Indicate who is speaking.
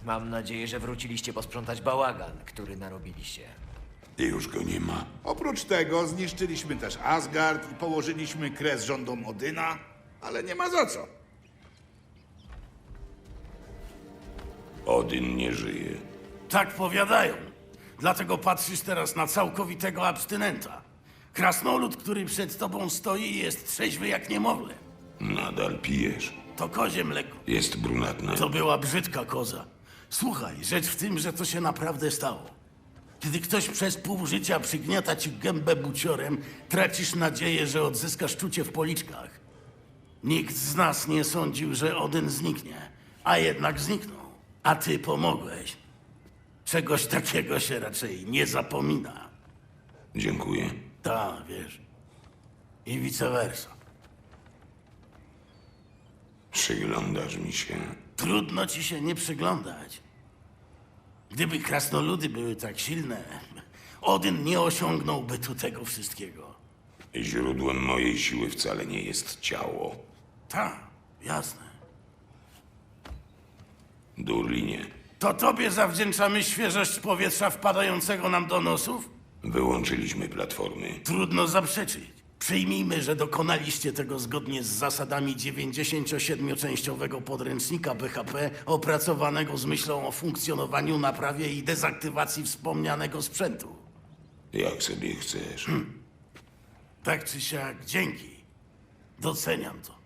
Speaker 1: Mam nadzieję, że wróciliście posprzątać bałagan, który narobiliście.
Speaker 2: I już go nie ma.
Speaker 3: Oprócz tego zniszczyliśmy też Asgard i położyliśmy kres rządom Odyna, ale nie ma za co.
Speaker 2: Odyn nie żyje.
Speaker 4: Tak powiadają. Dlatego patrzysz teraz na całkowitego abstynenta. Krasnolud, który przed tobą stoi, jest trzeźwy jak niemowlę.
Speaker 2: Nadal pijesz.
Speaker 4: To kozie mleko.
Speaker 2: Jest brunatne.
Speaker 4: To była brzydka koza. Słuchaj, rzecz w tym, że to się naprawdę stało. Kiedy ktoś przez pół życia przygniata ci gębę buciorem, tracisz nadzieję, że odzyskasz czucie w policzkach. Nikt z nas nie sądził, że Odyn zniknie, a jednak zniknął. A ty pomogłeś. Czegoś takiego się raczej nie zapomina.
Speaker 2: Dziękuję.
Speaker 4: Tak, wiesz. I vice versa.
Speaker 2: Przyglądasz mi się.
Speaker 4: Trudno ci się nie przyglądać. Gdyby krasnoludy były tak silne, Odyn nie osiągnąłby tu tego wszystkiego.
Speaker 2: Źródłem mojej siły wcale nie jest ciało.
Speaker 4: Tak, jasne.
Speaker 2: Durlinie,
Speaker 4: To tobie zawdzięczamy świeżość powietrza wpadającego nam do nosów?
Speaker 2: wyłączyliśmy platformy.
Speaker 4: Trudno zaprzeczyć. Przyjmijmy, że dokonaliście tego zgodnie z zasadami 97-częściowego podręcznika BHP opracowanego z myślą o funkcjonowaniu, naprawie i dezaktywacji wspomnianego sprzętu.
Speaker 2: Jak sobie chcesz.
Speaker 4: Tak czy siak, dzięki. Doceniam to.